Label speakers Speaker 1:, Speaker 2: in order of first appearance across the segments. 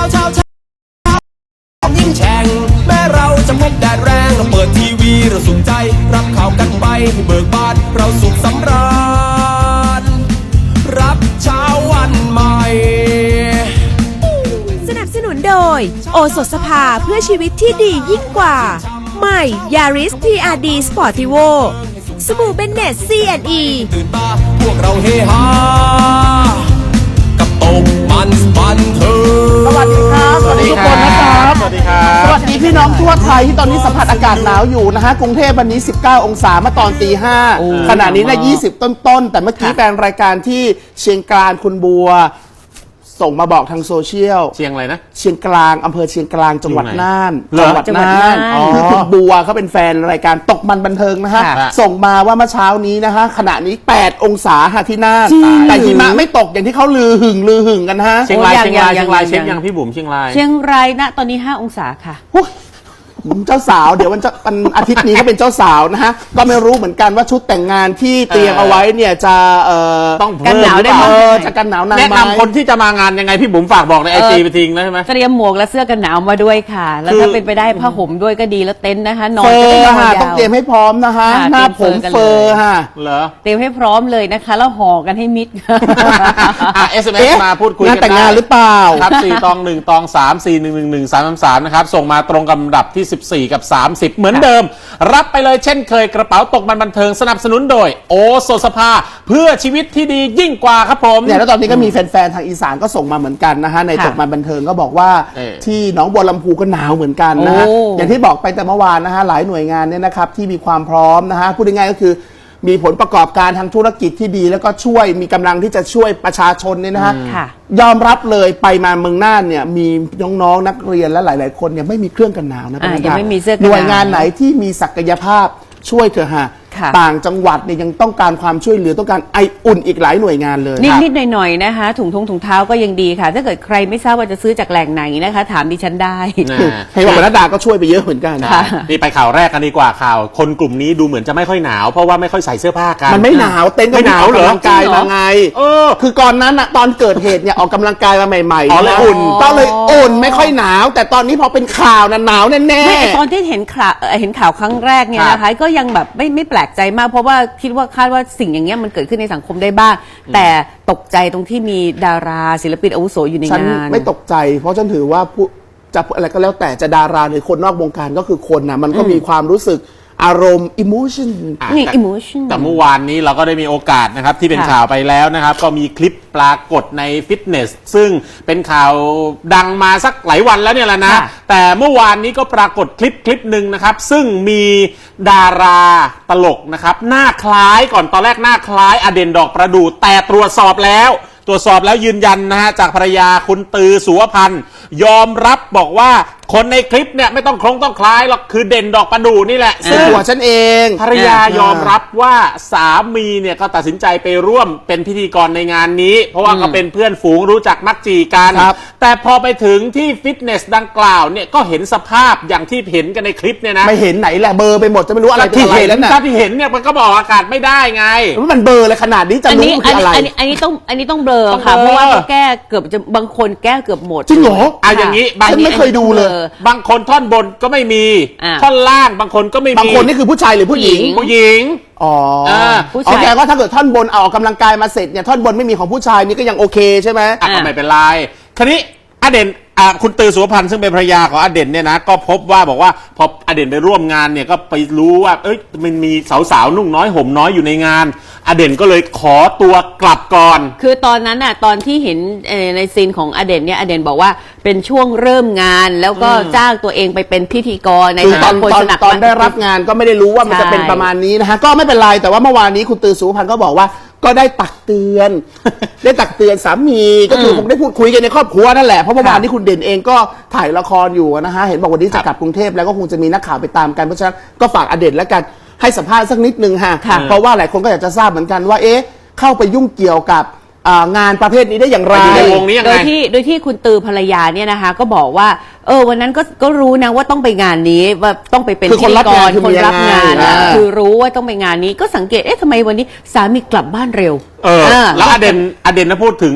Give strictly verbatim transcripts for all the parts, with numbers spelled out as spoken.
Speaker 1: เช้าเช้ายิ่งแฉ่งแม้เราจะพบแดดแรงเราเปิดทีวีเราสุขใจรับข่าวกันไปให้เบิกบานเราสุขสำราญรับเช้าวันใหม่
Speaker 2: สนับสนุนโดยโอสถสภาเพื่อชีวิตที่ดียิ่งกว่าใหม่ Yaris ที อาร์ ดี Sportivo สบู่เบนเนต ซี แอนด์ อี
Speaker 1: ตื่นมาพวกเราเฮฮากับตกมันบันเทิง
Speaker 3: สวัสดีครับสวัสดีทุกคนนะครับ
Speaker 4: สวัสดีครับ
Speaker 3: สวัสดีพี่น้องทั่วไทยที่ตอนนี้สัมผัสอากาศหนาวอยู่นะฮะกรุงเทพวันนี้สิบเก้าองศาเมื่อตอนตีห้าขณะนี้นะยี่สิบต้นๆแต่เมื่อกี้แฟนรายการที่เชียงกลางคุณบัวส่งมาบอกทางโซเชียล
Speaker 4: เชียงอะไรนะ
Speaker 3: เชียงกลางอำเภอเชียงกลางจังหวัดน่าน
Speaker 4: จังหวัด
Speaker 3: น่านคือคุณบัวเขาเป็นแฟนรายการตกมันบันเทิงนะฮะส่งมาว่าเมื่อเช้านี้นะฮะขณะนี้แปดองศาฮะที่น่านแต่หิมะไม่ตกอย่างที่เขาลือหึงลือหึงกันฮะ
Speaker 4: เชียงรายเชียงรายเชียงรายเช็คยังพี่บุ๋มเชียงราย
Speaker 5: เชียงรายณตอนนี้ห้าองศาค่ะ
Speaker 3: เจ้าสาวเดี๋ยววันจะวันอาทิตย์นี้ก็เป็นเจ้าสาวนะฮะก็ไม่รู้เหมือนกันว่าชุดแต่งงานที่เตรียมเอาไว้เนี่ยจะเอ่อ
Speaker 4: ต้อง
Speaker 3: กันหนาวได้ไหมจะกันหนาวนานไหม
Speaker 4: แนะนำคนที่จะมางานยังไงพี่บุ๋มฝากบอกในไอจีไปทิ้งนะใช่ไหม
Speaker 5: เตรียมหมวกและเสื้อกันหนาวมาด้วยค่ะแล้วถ้าเป็นไปได้ผ้าห่มด้วยก็ดีแล้วเต็นท์นะคะนอนจะได้นอนยาว
Speaker 3: ต้องเตรียมให้พร้อมนะคะหน้าผมเฟอร์ค่ะ
Speaker 4: เหรอ
Speaker 5: เตรียมให้พร้อมเลยนะคะแล้วห่อกันให้มิด
Speaker 4: อ่ะ เอส เอ็ม เอส มาพูดคุยกัน
Speaker 3: งานแต่งงานหรือเปล่า
Speaker 4: ครับสี่ตองหนึ่งตองสามสี่หนึ่งหนึ่งหนึ่งสามสามสามนะครับส่งมาตรงกับลำดับที่สิบสี่กับสามสิบเหมือนเดิมรับไปเลยเช่นเคยกระเป๋าตกมันบันเทิงสนับสนุนโดยโอสถสภาเพื่อชีวิตที่ดียิ่งกว่าครับผม
Speaker 3: เนี่ยแล้วตอนนี้ก็มีแฟนๆทางอีสานก็ส่งมาเหมือนกันนะฮะในตกมันบันเทิงก็บอกว่าที่หนองบัวลำพูก็หนาวเหมือนกันนะฮะอย่างที่บอกไปแต่เมื่อวานนะฮะหลายหน่วยงานเนี่ยนะครับที่มีความพร้อมนะฮะพูดง่ายๆก็คือมีผลประกอบการทางธุรกิจที่ดีแล้วก็ช่วยมีกำลังที่จะช่วยประชาชนเนี่ยนะฮะยอมรับเลยไปมาเมืองน่านเนี่ยมีน้องๆนักเรียนและหลายๆคนเนี่ยไม่มีเครื่องกันหนาวนะ
Speaker 5: ยังไม่มีเสื้อกันหนาว
Speaker 3: หน่วยงานไหนที่มีศักยภาพช่วยเถอะฮะต่างจังหวัดเนี่ยยังต้องการความช่วยเหลือต้องการไออุ่นอีกหลายหน่วยงานเลย
Speaker 5: นิดๆหน่อยๆนะคะถุงทงถุงเท้าก็ยังดีค่ะถ้าเกิดใครไม่ทราบว่าจะซื้อจากแหล่งไหนนะคะถามดิฉันได้
Speaker 3: ให้บอกว่านัดดาก็ช่วยไปเยอะเหมือนกัน
Speaker 4: นี่ไปข่าวแรกกันดีกว่าข่าวคนกลุ่มนี้ดูเหมือนจะไม่ค่อยหนาวเพราะว่าไม่ค่อยใส่เสื้อผ้ากัน
Speaker 3: มันไม่หนาวเต้นก็
Speaker 4: หนาวเหรอก
Speaker 3: ำลังกายมาไง
Speaker 4: เออ
Speaker 3: คือก่อนนั้นอะตอนเกิดเหตุเนี่ยออกกำลังกายมาใหม่ๆ
Speaker 4: อ๋อเลยอุ่น
Speaker 3: ก็เลยอุ่นไม่ค่อยหนาวแต่ตอนนี้พอเป็นข่าวน่ะหนาวแน่
Speaker 5: ๆตอนที่เห็นข่าวเห็นข่าวครั้งแรกเนี่ยนะคะก็ยังแบบไม่ไม่แปลกใจมากเพราะว่าคิดว่าคาดว่าสิ่งอย่างเงี้ยมันเกิดขึ้นในสังคมได้บ้างแต่ตกใจตรงที่มีดาราศิลปินอาวุโสอยู่ในงานฉัน
Speaker 3: ไม่ตกใจเพราะฉันถือว่าผู้จะอะไรก็แล้วแต่จะดาราหรือคนนอกวงการก็คือคนนะมันก็มีความรู้สึกอารมณ์ emotion
Speaker 5: นี่ emotion
Speaker 4: แต่เมื่อวานนี้เราก็ได้มีโอกาสนะครับที่เป็นข่าวไปแล้วนะครับก็มีคลิปปรากฏในฟิตเนสซึ่งเป็นข่าวดังมาสักหลายวันแล้วเนี่ยแหละนะแต่เมื่อวานนี้ก็ปรากฏคลิปคลิปหนึ่งนะครับซึ่งมีดาราตลกนะครับหน้าคล้ายก่อนตอนแรกหน้าคล้ายอเด่นดอกประดู่แต่ตรวจสอบแล้วตรวจสอบแล้วยืนยันนะฮะจากภรรยาคุณตือสุวพันธ์ยอมรับบอกว่าคนในคลิปเนี่ยไม่ต้องคล้องต้องคล้ายหรอกคือเด่นดอกประดู่นี่แหละ
Speaker 3: ซึ่งตัวฉันเอง
Speaker 4: ภรรยายอมรับว่าสามีเนี่ยก็ตัดสินใจไปร่วมเป็นพิธีกรในงานนี้เพราะว่าก็เป็นเพื่อนฝูงรู้จักมักจีกันแต่พอไปถึงที่ฟิตเนสดังกล่าวเนี่ยก็เห็นสภาพอย่างที่เห็นกันในคลิปเนี่ยนะ
Speaker 3: ไม่เห็นไหนแหละเบอร์ไปหมดจะไม่รู้อะไร
Speaker 4: ที่เห็นถ้าที่เห็นเนี่ยมันก็บอกอากาศไม่ได้ไง
Speaker 3: มันเบอร์เลยขนาดนี้จะรู้คืออะไร
Speaker 5: อันนี้อันนี้ต้องอันนี้ต้องเบลอค่ะเพราะว่าแก้เกือบจะบางคนแก้เกือบหมด
Speaker 3: จริงเหรอ
Speaker 4: อ่ะอย่างนี้
Speaker 3: ฉันไม่เคยดูเลย
Speaker 4: บางคนท่อนบนก็ไม่มีท่อนล่างบางคนก็ไม่มี
Speaker 3: บางคนนี่คือผู้ชายหรือผู้หญิง
Speaker 4: ผู้หญิง
Speaker 3: อ๋อโอเคก็ถ้าเกิดท่อนบนเอาออกกำลังกายมาเสร็จเนี่ยท่อนบนไม่มีของผู้ชายนี่ก็ยังโอเคใช่ไหม
Speaker 4: อ่ะก็ไม่เป็นไรคราวนี้อเด่นคุณตือสุวพันธ์ซึ่งเป็นภรรยาของอเด่นเนี่ยนะก็พบว่าบอกว่าพออเด่นไปร่วมงานเนี่ยก็ไปรู้ว่าเอ้ยมันมีสาวๆนุ่งน้อยห่มน้อยอยู่ในงานอเด่นก็เลยขอตัวกลับก่อน
Speaker 5: คือตอนนั้นน่ะตอนที่เห็นในซีนของอเด่นเนี่ยอเด่นบอกว่าเป็นช่วงเริ่มงานแล้วก็จ้างตัวเองไปเป็นพิธีกรใน
Speaker 3: ตอนตอนตอนได้รับงานก็ไม่ได้รู้ว่ามันจะเป็นประมาณนี้นะฮะก็ไม่เป็นไรแต่ว่าเมื่อวานนี้คุณตือสุวพันธ์ก็บอกว่าก็ได้ตักเตือนได้ตักเตือนสามีก็คือคงได้พูดคุยกันในครอบครัวนั่นแหละเพราะเมื่อวานนี้คุณเด่นเองก็ถ่ายละครอยู่นะฮะเห็นบอกวันนี้จะกลับกรุงเทพแล้วก็คงจะมีนักข่าวไปตามกันเพราะฉะนั้นก็ฝากอเด่นแล้วกันให้สัมภาษณ์สักนิดนึงฮะเพราะว่าหลายคนก็อยากจะทราบเหมือนกันว่าเอ๊ะเข้าไปยุ่งเกี่ยวกับงานประเภทนี้ได้อย่างไร
Speaker 4: ในวงนี้ยังไง
Speaker 5: โดยที่โดยที่คุณตือภรรยาเนี่ยนะคะก็บอกว่าเออวันนั้นก็ก็รู้นะว่าต้องไปงานนี้ว่าต้องไปเป็นพิธีกรคนรับงานนะคือรู้ว่าต้องไปงานนี้ก็สังเกตเอ๊ะทำไมวันนี้สามีกลับบ้านเร็ว
Speaker 4: เออแล้วอเด่นอเด่นนะพูดถึงนะ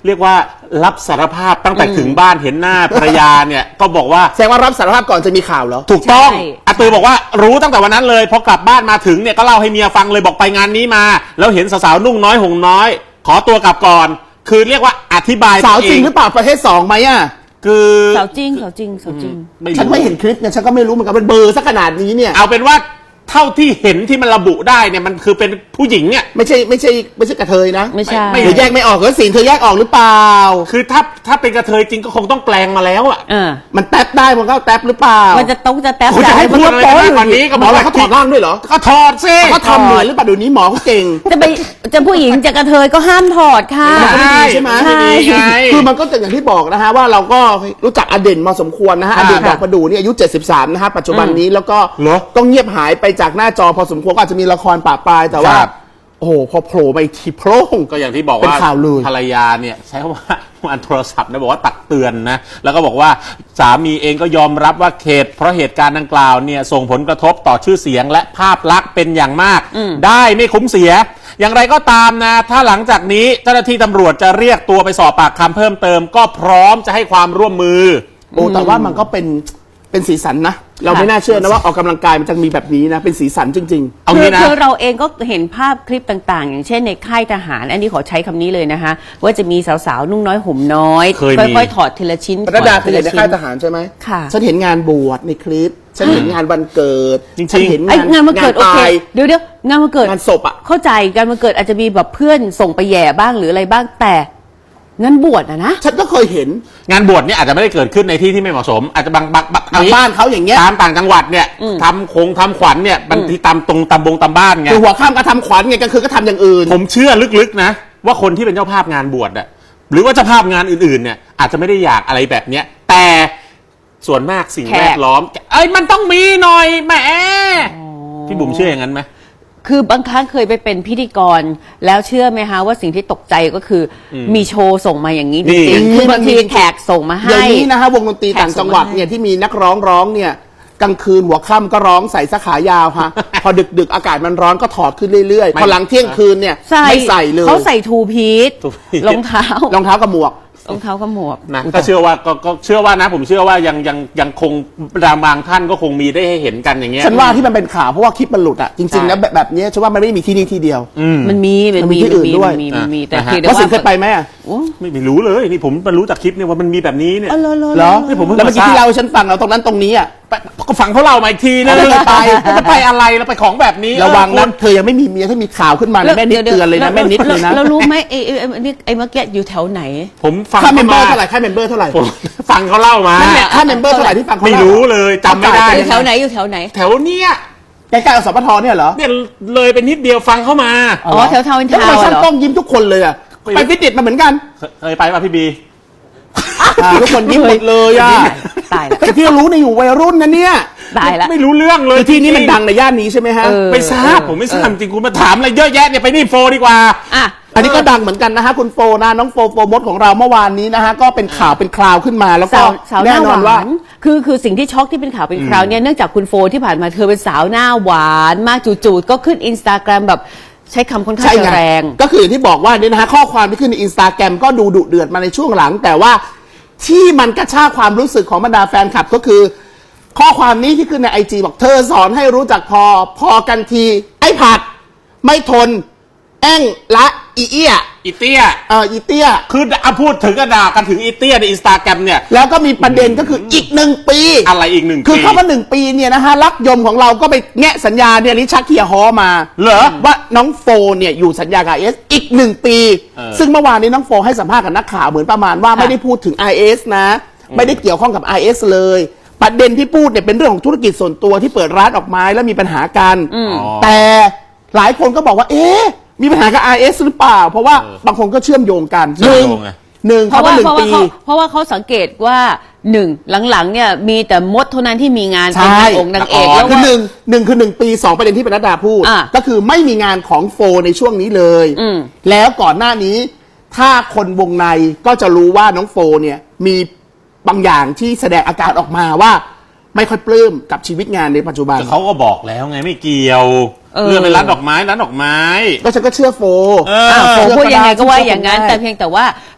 Speaker 4: เรียกว่ารับสารภาพตั้งแต่ถึงบ้านเห็นหน้าภรรยาเนี่ยก็บอกว่า
Speaker 3: แสดงว่ารับสารภาพก่อนจะมีข่าวเหรอ
Speaker 4: ถูกต้อง
Speaker 5: ใช่
Speaker 4: อาตือบอกว่ารู้ตั้งแต่วันนั้นเลยพอกลับบ้านมาถึงเนี่ยก็เล่าให้เมียฟังเลยบอกไปงานนี้มา แล้วเห็นสาวๆนุ่งน้อยห่มน้อย ขอตัวกลับก่อน คือเรียกว่าอธิบาย
Speaker 3: สาวจริง
Speaker 4: ตั
Speaker 3: หรือเปล่าประเภทสองไหมอ่ะ
Speaker 4: คือ
Speaker 5: สาวจริงสาวจริงสาวจริง
Speaker 3: ฉันไม่เห็นคลิปเนี่ยฉันก็ไม่รู้เหมือนกันเป็นเบอร์สักขนาดนี้เนี่ย
Speaker 4: เอาเป็นว่าเท่าที่เห็นที่มันระบุได้เนี่ยมันคือเป็นผู้หญิงเนี่ย
Speaker 3: ไม่ใช่ไม่ใช่ไม่ใช่กระเทยนะ
Speaker 5: ไม่ใช่
Speaker 4: ไม่
Speaker 3: หรือแยกไม่ออกเหรอสินเธอแยกออกหรือเปล่า
Speaker 4: คือถ้าถ้าเป็นกระเทยจริงก็คงต้องแปลงมาแล้วอ่ะ
Speaker 5: เออ
Speaker 3: มันแท็บได้มันก็แท็บหรือเปล่า
Speaker 5: มันจะต้องจะแท็บ
Speaker 4: คุณจะให้พูดอะไรมากกว่านี้ก็
Speaker 3: หมอเราเขาถอดร่างด้วยเหรอ
Speaker 4: ก็ถอดสิ
Speaker 3: เขาทำเหมือนหรือเปล่าเดี๋ยวนี้หมอเขาเก่ง
Speaker 5: จะไปจะผู้หญิงจะกระเทยก็ห้ามถอดค่ะ
Speaker 3: มันก็ไม่ดีใช่ไหม
Speaker 4: ไม่ดีไง
Speaker 3: คือมันก็จะอย่างที่บอกนะฮะว่าเราก็รู้จักอเด่นมาสมควรนะฮะอเด่นดอกประดู่นี่อายุเจ็ดสิบสามนะฮะปัจจุบันนี้แล้วก็
Speaker 4: เหรอ
Speaker 3: ต้องเงียบหายไปจากหน้าจอพอสมควรก็อาจจะมีละครปะปลายแต่ว่า
Speaker 4: ครับ
Speaker 3: โอ้โหพอโผล่ไปทีโพร่ง
Speaker 4: ก็อย่างที่บอก
Speaker 3: เป็น
Speaker 4: ว่า
Speaker 3: ข่าวเลย
Speaker 4: ภรรยาเนี่ยใช้คำว่ามันโทรศัพท์นะบอกว่าตักเตือนนะแล้วก็บอกว่าสามีเองก็ยอมรับว่าเหตุเพราะเหตุการณ์ดังกล่าวเนี่ยส่งผลกระทบต่อชื่อเสียงและภาพลักษณ์เป็นอย่างมาก ได้ไม่คุ้มเสีย อย่างไรก็ตามนะถ้าหลังจากนี้เจ้าหน้าที่ตำรวจจะเรียกตัวไปสอบปากคำเพิ่มเติม ก็พร้อมจะให้ความร่วมมือ
Speaker 3: โอ้แต่ว่ามันก็เป็นเป็นสีสันนะ เราไม่น่าเชื่อนะว่าออกกำลังกายมันจะมีแบบนี้นะ เป็นสีสันจริง
Speaker 4: เอา
Speaker 5: คื
Speaker 4: งี้
Speaker 5: อ
Speaker 4: นะ
Speaker 5: คือเราเองก็เห็นภาพคลิปต่างๆ อย่างเช่นในค่ายทหาร อันนี้ขอใช้คำนี้เลยนะคะ ว่าจะมีสาวๆ นุ่งน้อยห่มน้อย
Speaker 4: เคยมี
Speaker 5: ค่อยๆ ถอดทีละชิ้น
Speaker 3: ๆปรดาเคยเห็นใน
Speaker 5: ทีละ
Speaker 3: ค่าย
Speaker 5: ชิ้น
Speaker 3: ทหารใช่ไหม
Speaker 5: ค่ะ
Speaker 3: ฉันเห็นงานบวชในคลิป ฉันเห็นงานวันเกิด
Speaker 4: จริงๆ
Speaker 3: ฉันเห็น
Speaker 5: ไอ้
Speaker 3: งาน
Speaker 5: งานวันเกิดโอเค
Speaker 3: ตาย
Speaker 5: เดี๋ยวเดี๋ยวงานวันเกิด
Speaker 3: งานศพอะ
Speaker 5: เข้าใจงานวันเกิดอาจจะมีแบบเพื่อนส่งไปแย่บ้างหรืออะไรบ้างแต่งานบวชอะนะ
Speaker 3: ฉันก็เคยเห็น
Speaker 4: งานบวชเนี่ยอาจจะไม่ได้เกิดขึ้นในที่ที่ไม่เหมาะสม อาจจะบางบางบาง
Speaker 3: บางบ้านเขาอย่างเงี้ย
Speaker 4: ตามต่างจังหวัดเนี่ยทำโคงทำขวัญเนี่ยบางทีตามตรงตามบงตามบ้านไง
Speaker 3: คือหัวข้ามก็ทำขวัญไงกลางคืนก็ทำอย่างอื่น
Speaker 4: ผมเชื่อลึกๆนะว่าคนที่เป็นเจ้าภาพงานบวชอะหรือว่าเจ้าภาพงานอื่นๆเนี่ยอาจจะไม่ได้อยากอะไรแบบเนี้ยแต่ส่วนมากสิ่ง
Speaker 5: แขก
Speaker 4: แวดล้อมเอ้ยมันต้องมีหน่อยแหมพี่บุ๋มเชื่ออย่างนั้นไหม
Speaker 5: คือบางครั้งเคยไปเป็นพิธีกร แล้วเชื่อไหมคะว่าสิ่งที่ตกใจก็คืออมีโชว์ส่งมาอย่างนี้จ
Speaker 4: นี่
Speaker 5: ริงๆคือบางที
Speaker 3: มันมี
Speaker 5: แขกส่งมา
Speaker 3: เดี๋ย
Speaker 5: ให้
Speaker 3: วนี้นะฮะวงดนตรี
Speaker 5: แขก
Speaker 3: ต่างจังหวัด
Speaker 5: ส่งมาให้
Speaker 3: เนี่ยที่มีนักร้องร้องเนี่ยกลางคืนหัวค่ำก็ร้องใส่เสื้อขายาวฮะ พอดึกๆอากาศมันร้อนก็ถอดขึ้นเรื่อย
Speaker 4: ไม่
Speaker 3: ๆ พอหลังเที่ยงคืนเนี่ย
Speaker 5: ใส่
Speaker 3: ไม่ใส่เลย
Speaker 5: เขาใส่ทูพีท
Speaker 4: ทูพีท
Speaker 5: รองเท้าร
Speaker 3: องเท้ากับหมวก
Speaker 5: รองเท้ากับหมวก
Speaker 4: นะก็เชื่อว่าก็ก็เชื่อว่านะ ผมเชื่อว่ายังยังยังคงบางท่านก็คงมีได้ให้เห็นกันอย่างเงี้ย
Speaker 3: ฉันว่าที่มันเป็นข่าวเพราะว่าคลิปมันหลุดอ่ะจริงๆแล้ว
Speaker 4: ใช่
Speaker 3: แบบแบบเนี้ยฉันว่ามันไม่ได้มีที่นี่ที่เดียว
Speaker 5: มันมีมัน
Speaker 3: มันมี
Speaker 5: มี
Speaker 3: ที่อื่นด้วย
Speaker 5: มันมีมันมีแต่
Speaker 4: นะฮะ
Speaker 5: เพียงแต่
Speaker 3: แล้วสิน
Speaker 5: ว่า
Speaker 3: เคยไปไหมอะ
Speaker 5: โอ้
Speaker 4: ไม่ไม่รู้เลยนี่ผมมารู้จากคลิปเนี่ยว่ามันมีแบบนี้เนี่ย
Speaker 5: อ๋อเหรอเหรอ
Speaker 3: เหรอ
Speaker 4: นี่ผมเพิ่ง
Speaker 3: แล้วเมื่อกี้
Speaker 4: มาทราบ
Speaker 3: ที่เราให้ฉันฟังเราตรงนั้นตรงนี้อ่ะ
Speaker 4: ไปก็ฟังเขาเล่ามาอีกทีนึง
Speaker 3: ไม่ได้ไป
Speaker 4: จะไปอะไรแล้วไปของแบบนี้
Speaker 3: ระวัง
Speaker 4: เออ
Speaker 3: นะเธอยังไม่มีเมียถ้ามีข่าวขึ้นมานะแม่นิดเตือนเลยนะแม่นิดเลยนะ
Speaker 5: เรารู้ไหมไอ้ไอ้ไอ้ไอ้นี่ไอ้เมื่อกี้อยู่แถวไหน
Speaker 4: ผมฟัง
Speaker 3: ค่าเมมเบอร์
Speaker 4: ข
Speaker 3: เท่าไหร่ค่าเมมเบอร์เท่าไหร่
Speaker 4: ผมฟังเขาเล่ามา
Speaker 3: นั่นแหละค่าเมมเบอร์เท่าไหร่ที่ฟังเขา
Speaker 4: ไม่
Speaker 3: เล่า
Speaker 4: รู้เลยจำไม่ได้
Speaker 5: อยู่แถวไหนอยู่แถวไหน
Speaker 4: แถวเนี้ย
Speaker 3: ใกล้ๆกับสปทเนี่ยเหรอ
Speaker 4: เนี่ยเลยเป็นนิดเดียวฟังเข้ามา
Speaker 5: อ๋อแถวทาวน์อิน
Speaker 3: แล้ว
Speaker 5: ทา
Speaker 3: ทำไม
Speaker 5: วน์
Speaker 3: ช่าง
Speaker 5: เหรอ
Speaker 3: ต้องยิ้มทุกคนเลยอ่ะ
Speaker 4: ไม่
Speaker 3: ไปฟิตเนสมาเหมือนกัน
Speaker 4: เคยเคยไปป่ะพี่บี
Speaker 3: อ่าทุกคนยิ้มหมดเลยอ่ะ
Speaker 5: ตายละ
Speaker 3: แต่ที่เรารู้ในยอยู่วัยรุ่นนะเนี่ย
Speaker 5: ตายละ
Speaker 4: ไม่รู้เรื่องเลย
Speaker 3: คือที่นี้มันดังในย่านนี้ใช่ไหมฮะ
Speaker 5: เออ
Speaker 4: ไม่ทราบผมไม่ทราบจริงคุณมาถามอะไรเยอะแยะเนี่ยไปนี่โฟดีกว่า
Speaker 5: อ่ะ
Speaker 3: อันนี้ก็ดังเหมือนกันนะฮะคุณโฟนะน้องโฟโฟมดของเราเมื่อวานนี้นะฮะก็เป็นข่าวเป็นคราวขึ้นมาแล้วก็
Speaker 5: สาวสาวห
Speaker 3: แน่
Speaker 5: น้าน ห
Speaker 3: อนว่า
Speaker 5: วานคือคือสิ่งที่ช็อกที่เป็นข่าวเป็นคราวเนี่ยเนื่องจากคุณโฟที่ผ่านมาเธอเป็นสาวหน้าหวานมากจู่ๆก็ขึ้นอินสตาแกรมแบบใช้คำค่อนข้าง
Speaker 3: ใช่
Speaker 5: จะ
Speaker 3: ไง
Speaker 5: แรง
Speaker 3: ก็คืออย่างที่บอกว่าเนี่ยนะฮะข้อความที่ขึ้นในอินสตาแกรมก็ดูดุเดือดมาในช่วงหลัง แต่ว่าที่มันกระชากความรู้สึกของบรรดาแฟนคลับก็คือ ข้อความนี้ที่ขึ้นในไอจีบอกเธอสอนให้รู้จักพอพอกันที ไอ้ผัด ไม่ทน แอ้งละอีเอี้ย
Speaker 4: อีเตี้ย
Speaker 3: เอ่ออีเตี้ย
Speaker 4: คือเอาพูดถึงกระดากันถึงอีเตี้ยในอินสตาแกรมเนี่ย
Speaker 3: แล้วก็มีประเด็นก็คืออีกหนึ่งปี
Speaker 4: อะไรอีกหนึ่ง
Speaker 3: คือ
Speaker 4: ปี
Speaker 3: เข้ามาหนึ่งปีเนี่ยนะฮะรักยมของเราก็ไปแงะสัญญาเนี่ยลิชักเคียฮอมา
Speaker 4: เหรอ
Speaker 3: ว่าน้องโฟเนี่ยอยู่สัญญากับ ไอ เอส อีกหนึ่งปี
Speaker 4: เออ
Speaker 3: ซึ่งเมื่อวานนี้น้องโฟให้สัมภาษณ์กับนักข่าวเหมือนประมาณว่าไม่ได้พูดถึง ไอ เอส นะ ไม่ได้เกี่ยวข้องกับ ไอ เอส เลย ประเด็นที่พูดเนี่ยเป็นเรื่องของธุรกิจส่วนตัวที่เปิดร้านออกไม้แล้วมีปัญหากัน แต่หลายคนก็บอกว่า เอ๊ะมีปัญหากับ ไอ เอส หรือเปล่า เพราะว่าบางคนก็เชื่อมโยงกัน
Speaker 4: เชื่อมโยงไง
Speaker 3: หนึ่ง
Speaker 5: เพ
Speaker 3: เขา
Speaker 5: ราะ
Speaker 3: ว่า
Speaker 5: ว่า
Speaker 3: หนึ่ง
Speaker 5: เพราะว่า
Speaker 3: ปี
Speaker 5: เขาเพราะว่าเขาสังเกตว่าหนึ่งหลังๆเนี่ยมีแต่มดเท่านั้นที่มีงาน
Speaker 3: ใช่
Speaker 5: เป็นนางองค์นางเอก
Speaker 4: อ๋อ
Speaker 5: แล้ว
Speaker 3: คือ
Speaker 5: ว่า
Speaker 3: หนึ่งหนึ่งคือหนึ่งปีสองประเด็นที่ปนัดดาพูด
Speaker 5: อ่ะ
Speaker 3: ก็คือไม่มีงานของโฟในช่วงนี้เลย
Speaker 5: อืม
Speaker 3: แล้วก่อนหน้านี้ ถ้าคนวงในก็จะรู้ว่าน้องโฟเนี่ยมีบางอย่างที่แสดงอาการออกมาว่าไม่ค่อยปลื้มกับชีวิตงานในปัจจุบัน
Speaker 4: แต่เขาก็บอกแล้วไงไม่เกี่ยว
Speaker 5: เออ
Speaker 4: เรื่องเป็นร้านดอกไม้ร้านดอกไม้
Speaker 3: ก็ฉันก็เชื่อโฟ
Speaker 4: เออ
Speaker 5: อ่ะ
Speaker 3: เชื่
Speaker 5: ผม
Speaker 3: อ
Speaker 5: พูดยังไงก็ว่า
Speaker 3: เชื่อ
Speaker 5: อย่างนั้น
Speaker 3: ได้
Speaker 5: แต่เพียงแต่ว่า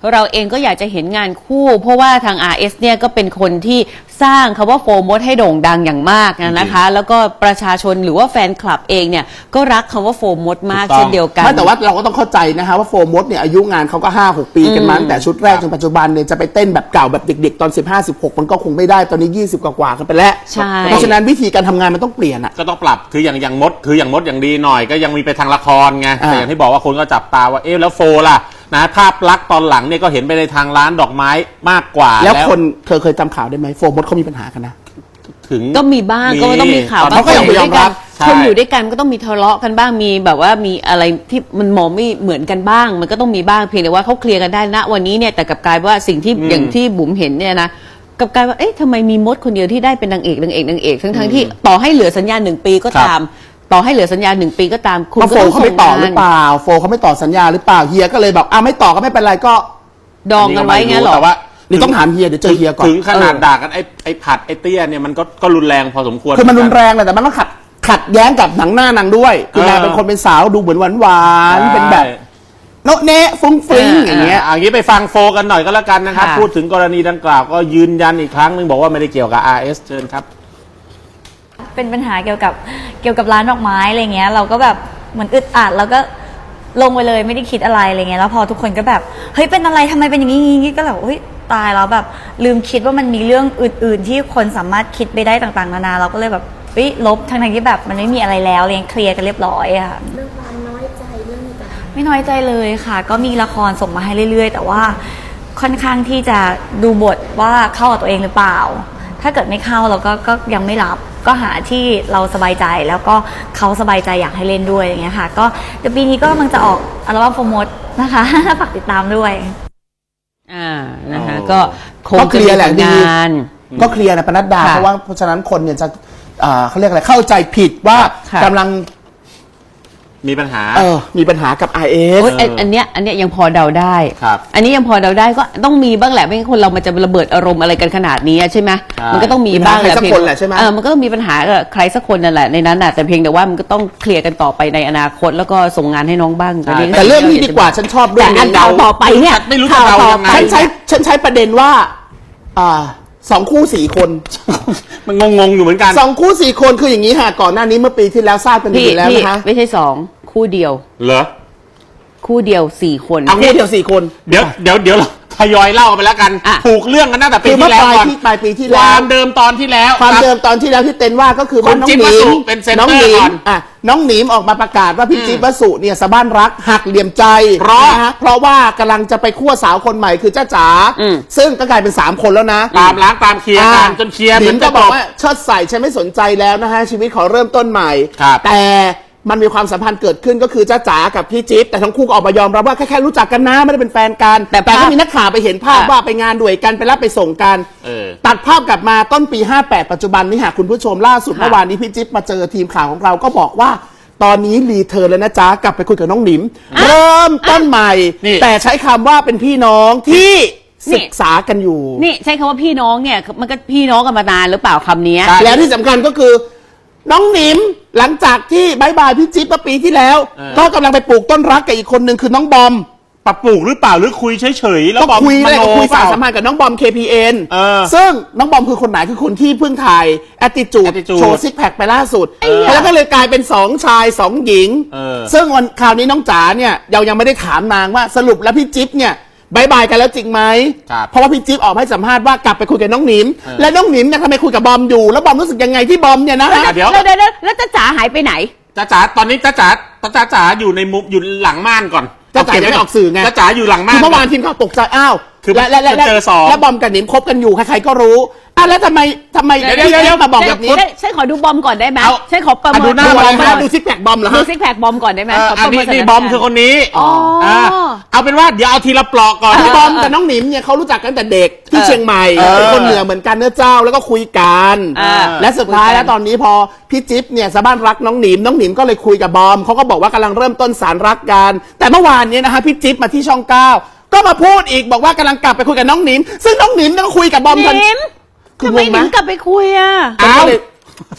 Speaker 5: เราเองก็อยากจะเห็นงานคู่ เพราะว่าทาง อาร์ เอส เนี่ยก็เป็นคนที่สร้างคำว่าโฟร์มดให้โด่งดังอย่างมากนะคะ แล้วก็ประชาชนหรือว่าแฟนคลับเองเนี่ยก็รักคำว่าโฟร์มดมากเช่นเดียวกัน
Speaker 3: ไม่แต่ว่าเราก็ต้องเข้าใจนะฮะว่าโฟร์มดเนี่ยอายุงานเขาก็ ห้าหก ปีกันมาตั้งแต่ชุดแรกจนปัจจุบันเนี่ยจะไปเต้นแบบเก่าแบบเด็กๆตอนสิบห้า สิบหกมันก็คงไม่ได้ตอนนี้ยี่สิบกว่าๆกันไปแล้ว
Speaker 5: ใช่
Speaker 3: เพราะฉะนั้นวิธีการทำงานมันต้องเปลี่ยนอ่ะ
Speaker 4: ก็ต้องปรับคืออย่างอย่างมดคืออย่างมดอย่างดีหน่อยก็ยังมีไปทางละครไง
Speaker 3: อ่า
Speaker 4: แต่อย่างที่บอกว่าคนก็จับตาว่าเอ๊ะแล้วโฟล่ะนะภาพลักษณ์ตอนหลังเนี่ยก็เห็นไปในทางร้านดอกไม้มากกว่า
Speaker 3: แล้วคนเคยเคยจำข่าวได้ไหมโฟร์มดเขามีปัญหากันนะ
Speaker 4: ถึง
Speaker 5: ก็มีบ้างก็ต้องมีข่าว
Speaker 3: ตอนนั้นก็ยังไม่ยอมรับ
Speaker 5: คนอยู่ด้วยกันก็ต้องมีทะเลาะกันบ้างมีแบบว่ามีอะไรที่มันมองไม่เหมือนกันบ้าง มันก็ต้องมีบ้างเพียงแต่ว่าเขาเคลียร์กันได้ณวันนี้เนี่ยแต่กลับกลายว่าสิ่งที่อย่างที่บุ๋มเห็นเนี่ยนะกลับกลายว่าเอ๊ะทำไมมีมดคนเดียวที่ได้เป็นนางเอกนางเอกนางเอกทั้งทั้งๆที่ต่อให้เหลือสัญญาหนึ่งปีก็ตาม ต่อให้เหลือสัญญาหนึ่งปีก็ตามคุณ
Speaker 3: เพราะ
Speaker 5: ก็
Speaker 3: โฟ
Speaker 5: ต้อง
Speaker 3: เขา
Speaker 5: ส่
Speaker 3: ไม่
Speaker 5: ง
Speaker 3: ต่อง
Speaker 5: า
Speaker 3: หรื
Speaker 5: น
Speaker 3: อเปล่าโฟเขาไม่ต่อสัญญาหรือเปล่าเฮียก็เลยบอกอ่ะไม่ต่อก็ไม่เป็นไรก็
Speaker 5: ดองกันไว้งั้นเหรอ
Speaker 4: แต่ว่า
Speaker 3: หรือต้องถามเฮียเดี๋ยวเจอเฮียก่อน
Speaker 4: ถึงขนาดด่ากันไอ้ไอ้ผัดไอ้เตี้ยเนี่ยมันก็ก็รุนแรงพอสมควร
Speaker 3: คือมันรุนแรงแหละแต่มันต้องขัดขัดแย้งกับหนังหน้านางด้วยคือนางเป็นคนเป็นสาวดูเหมือนหวานหวานๆเป็นแบบโนะเนะฟุ้งฟิ้งอย่างเงี้ย
Speaker 4: อ่ะอย่างนี้ไปฟังโฟกันหน่อยก็แล้วกันนะครับ
Speaker 5: ค่ะ
Speaker 4: พูดถึงกรณีดังกล่าวก็ยืนยันอีกครั้งหนึงบอกว่าไม่ได้เกี่ยวกับ อาร์ เอส เชิญครับ
Speaker 6: เป็นปัญหาเกี่ยวกับเกี่ยวกับร้านดอกไม้อะไรเงี้ยเราก็แบบเหมือนอึดอัดแล้วก็ลงไปเลยไม่ได้คิดอะไรอะไรเงี้ยแล้วพอทุกคนก็แบบเฮ้ยเป็นอะไรทำไมเป็นอย่างนี้อย่างนี้ก็แบบเฮ้ยตายแล้วแบบลืมคิดว่ามันมีเรื่องอื่น ๆ ที่คนสามารถคิดไปได้ต่างๆนานาเราก็เลยแบบเฮ้ยลบทั้งๆที่แบบมันไม่มีอะไรแล้วเรียงเคลียร์กันเรียบร้อยอะค่ะ
Speaker 7: เรื่องความน้อยใจเรื่องอะไรต่าง
Speaker 6: ไม่น้อยใจเลยค่ะ ก็มีละครส่งมาให้เรื่อย ๆ แต่ว่าค่อนข้างที่จะดูบทว่าเข้ากับตัวเองหรือเปล่า ถ้าเกิดไม่เข้าเราก็ก็ยังไม่รับก็หาที่เราสบายใจแล้วก็เขาสบายใจอยากให้เล่นด้วยอย่างเงี้ยค่ะก็เดี๋ยวปีนี้ก็กำลังจะออกอัลบั้มโฟร์มดนะคะ ฝากติดตามด้วย
Speaker 5: อ่านะคะ
Speaker 4: อ๋อ
Speaker 5: ก็คง
Speaker 3: ก็เคลียร์แหละ
Speaker 5: จะมี
Speaker 3: ดี
Speaker 5: งาน
Speaker 3: ก็เคลียร์นะปนัดดา
Speaker 5: ค่ะ
Speaker 3: เพราะว่าเพราะฉะนั้นคนเนี่ยจะอ่าเขาเรียกอะไรเข้าใจผิดว่า
Speaker 5: ค่ะ
Speaker 3: กำลัง
Speaker 4: มีปัญหา
Speaker 3: เออมีปัญหากับ อาร์ เอส
Speaker 5: โอ๊ยอันอันเนี้ยอันเนี้ยยังพอเดาได้
Speaker 4: ครับ
Speaker 5: อันนี้ยังพอเดาได้ก็ต้องมีบ้างแหละไม่งั้นคนเรามันจะระเบิดอารมณ์อะไรกันขนาดนี้ใช่ไหม
Speaker 4: ใช่
Speaker 5: มันก็ต้องมีบ้าง
Speaker 3: มีปัญหาใครสัก
Speaker 5: เพียง
Speaker 3: คนแหละใช่ไหม
Speaker 5: เออมันก็ต้องมีปัญหากับใครสักคนนั่นแหละในนั้นน่ะแต่เพียงแต่ว่ามันก็ต้องเคลียร์กันต่อไปในอนาคตแล้วก็ส่งงานให้น้องบ้าง
Speaker 4: ใช่
Speaker 5: นนี้
Speaker 3: แต่เรื่องนี้ดีกว่าฉันชอบเรื่
Speaker 5: แต่
Speaker 3: อง
Speaker 5: อัน
Speaker 3: นี้
Speaker 5: ข่าวต่อไปเนี่ย
Speaker 4: ไม่รู้จะ
Speaker 5: ข่าว
Speaker 4: เดา
Speaker 5: ต่อ
Speaker 4: ยังไง
Speaker 5: ไป
Speaker 3: ฉันใช้ฉันใช้ประเด็นว่าอ่าสองคู่สี่คน
Speaker 4: มันงงๆอยู่เหมือนกัน
Speaker 3: สองคู่สี่คนคืออย่างนี้ค่ะก่อนหน้านี้เมื่อปีที่แล้วทราบกันดี
Speaker 5: พี่
Speaker 3: อยู่แล้ว
Speaker 5: พี่
Speaker 3: นะคะ
Speaker 5: ไม่ใช่สองคู่เดียว
Speaker 4: เหรอ
Speaker 5: คู่เดียวสี่คน
Speaker 3: เอาคู่เดียวสี่คน
Speaker 4: เดี๋ยวเดี๋ยวเดี๋ยวเราทยอยเล่าไปแล้วกัน
Speaker 5: อ่ะ
Speaker 4: ผูกเรื่องกันตั้งแต่ปี
Speaker 3: คือเมื่
Speaker 4: ที่
Speaker 3: อ
Speaker 4: แล้ว
Speaker 3: ปลาย
Speaker 4: ก่อน
Speaker 3: ที่ปลายปีที่
Speaker 4: ค
Speaker 3: แล้ว
Speaker 4: วามเดิมตอนที่แล้ว
Speaker 3: ความ
Speaker 4: รับ
Speaker 3: เดิมตอนที่แล้วที่เต้นว่าก็คือว่า
Speaker 4: คุณ
Speaker 3: น้อง
Speaker 4: จิ๊บ
Speaker 3: หนิ
Speaker 4: วสุ
Speaker 3: ม
Speaker 4: เป็นเซ็นเตอร์
Speaker 3: น้องหนิ
Speaker 4: ก่
Speaker 3: ม
Speaker 4: อน
Speaker 3: อ่ะน้องหนิมออกมาประกาศว่าพี่จิ๊บวสุเนี่ยสะบ้านรักหักเหลี่ยมใจ
Speaker 4: เพราะ
Speaker 3: นฮเพราะว่ากำลังจะไปคั่วสาวคนใหม่คือจ้าจ๋า
Speaker 5: อืม
Speaker 3: ซึ่งก็กลายเป็นสามคนแล้วนะ
Speaker 4: ตามล้างตามเคลียร์กันจนเคลียร์
Speaker 3: หนิม
Speaker 4: มัน
Speaker 3: ก็
Speaker 4: จะ
Speaker 3: บ
Speaker 4: จ
Speaker 3: อก
Speaker 4: บ
Speaker 3: ว่าเชิดใส่ฉันไม่สนใจแล้วนะฮะชีวิตขอเริ่มต้นใหม่
Speaker 4: ครับ
Speaker 3: แต่มันมีความสัมพันธ์เกิดขึ้นก็คือจ้าจ๋ากับพี่จิ๊บแต่ทั้งคู่ก็ออกมายอมรับว่าแค่แค่รู้จักกันนะไม่ได้เป็นแฟนกัน
Speaker 5: แต่
Speaker 3: แต่ก็
Speaker 5: ภาพ
Speaker 3: มีนักข่าวไปเห็นภาพ
Speaker 5: อ่ะ
Speaker 3: ว่าไปงานด้วยกันไปรับไปส่งกัน
Speaker 4: เออ
Speaker 3: ตัดภาพกลับมาต้นปีห้าแปดปัจจุบันนี้หากคุณผู้ชมล่าสุด
Speaker 5: ค่ะ
Speaker 3: เมื่อวานนี้พี่จิ๊บมาเจอทีมข่าวของเราก็บอกว่า ตอนนี้รีเทิร์นแล้วนะจ๊ะกลับไปคุยกับน้องหนิม เริ่มต้นใหม่
Speaker 4: นี่
Speaker 3: แต่ใช้คำว่าเป็นพี่น้องที่ศึกษากันอยู่
Speaker 5: นี่ใช้คำว่าพี่น้องเนี่ยมันก็พี่น้องกันมานานหรือเปล่าคำเนี้ย
Speaker 4: ใช่
Speaker 3: แล้วที่สำคัญก็คือ น้องหนิมหลังจากที่บายบายพี่จิ๊บเมื่อปีที่แล้ว
Speaker 4: เออ
Speaker 3: ก็กำลังไปปลูกต้นรักกับอีกคนหนึ่งคือน้องบอม
Speaker 4: ปรับปลูกหรือเปล่าหรือคุยเฉยๆแล้ว
Speaker 3: ก็
Speaker 4: บอก
Speaker 3: คุยเลย
Speaker 4: ม
Speaker 3: ก็
Speaker 4: โน
Speaker 3: คุย
Speaker 4: เป
Speaker 3: สา
Speaker 4: ล่
Speaker 3: รสัมพันธ์กับน้องบอม เค พี เอ็น
Speaker 4: เออ
Speaker 3: ซึ่งน้องบอมคือคนไหนคือคนที่เพิ่งถ่าย attitude
Speaker 4: Attitude
Speaker 3: โชว์ซิกแพคไปล่าสุด แล้วก็เลยกลายเป็นสองชายสองหญิง
Speaker 4: เออ
Speaker 3: ซึ่งวันคราวนี้น้องจ๋าเนี่ยเรายังไม่ได้ถามนางว่าสรุปแล้วพี่จิ๊บเนี่ยบายบายกันแล้วจริงไหม
Speaker 4: ครับ
Speaker 3: เพราะว่าพี่จิ๊บออกมาให้สัมภาษณ์ว่ากลับไปคุยกับน้องหนิม
Speaker 4: เออ
Speaker 3: และน้องหนิมเนี่ยทำไมคุยกับบอมอยู่ แล้วบอมรู้สึกยังไงที่บอมเนี่ยนะ
Speaker 4: อ่ะเดี๋ยว
Speaker 5: แล้วแล้วแล้วแล้วจ้าจ๋าหายไปไหน
Speaker 4: จ้าจ๋าตอนนี้จ้าจ๋าจ้าจ๋าอยู่ในมุมอยู่หลังม่านก่อน
Speaker 3: จ้าจ๋ายังไม่ออกสื่อไง
Speaker 4: จ้าจ๋าอยู่หลังม่า
Speaker 3: คื
Speaker 4: น
Speaker 3: อเมื่อวานทีมข่าวตกใจอ้าว
Speaker 4: คือ
Speaker 3: และและและและ
Speaker 4: เจอสอง
Speaker 3: และบอมกับหนิมคบกันอยู่ใครๆก็รู้อ่ะแล้วทำไมทำไม
Speaker 5: เดี๋ยว
Speaker 3: พี่
Speaker 5: เดี๋ยว
Speaker 3: จิ๊
Speaker 5: เดี๋
Speaker 3: บ
Speaker 5: ยว
Speaker 3: มาบอกแบบนี้
Speaker 5: ฉัฉันขอดูบอมก่อนได้ไหม
Speaker 4: เอา
Speaker 5: ฉันขอประเมิ
Speaker 4: อ่ะดู
Speaker 5: น
Speaker 4: หน้า
Speaker 3: ดู
Speaker 4: บ
Speaker 3: อะไร
Speaker 4: ม
Speaker 3: คะดูซิกแพคบอมเหรอ
Speaker 5: ดู
Speaker 3: ฮะ
Speaker 5: ซิกแพคบอมก่อนได้ไหม
Speaker 4: เออ
Speaker 5: ขอ
Speaker 4: อั
Speaker 5: ป
Speaker 4: น
Speaker 5: ระ
Speaker 4: นี้
Speaker 5: เมิน
Speaker 4: นี่
Speaker 5: สถาน
Speaker 4: บอม
Speaker 5: การณ์
Speaker 4: คือคนนี้
Speaker 5: อ๋ออ่
Speaker 4: าเอาเป็นว่าเดี๋ยวเอาทีละปลอกก่อน
Speaker 3: คือบอมกับน้องหนิมเนี่ยเขารู้จักกันแต่เด็กที่เชียงใหม่
Speaker 4: เออ
Speaker 3: เป็นคนเหนือเหมือนกันเนื้อเจ้าแล้วก็คุยกัน
Speaker 5: อ่า
Speaker 3: และสุดท้าย
Speaker 5: คุยกัน
Speaker 3: แล้วตอนนี้พอพี่จิ๊บเนี่ยสะบ้านรักน้องหนิมน้องหนิมก็เลยคุยกับบอมเขาก็บอกว่ากำลังเริ่มต้นสารรักกันแต่เมื่อวานเนี้นะฮะพี่จิ๊บมาที่ช่องเก้าก็มาพูดอีกบอกว่ากำลังกลับไปคุยกับน้องหนิม ซึ่งน้องหนิมก็คุยกับบอมทัน
Speaker 5: นิม
Speaker 3: คือ
Speaker 5: ทำไม
Speaker 3: งง
Speaker 5: ห
Speaker 3: ไหม
Speaker 5: นิมกลับไปคุยอ่ะ
Speaker 3: ก็เลย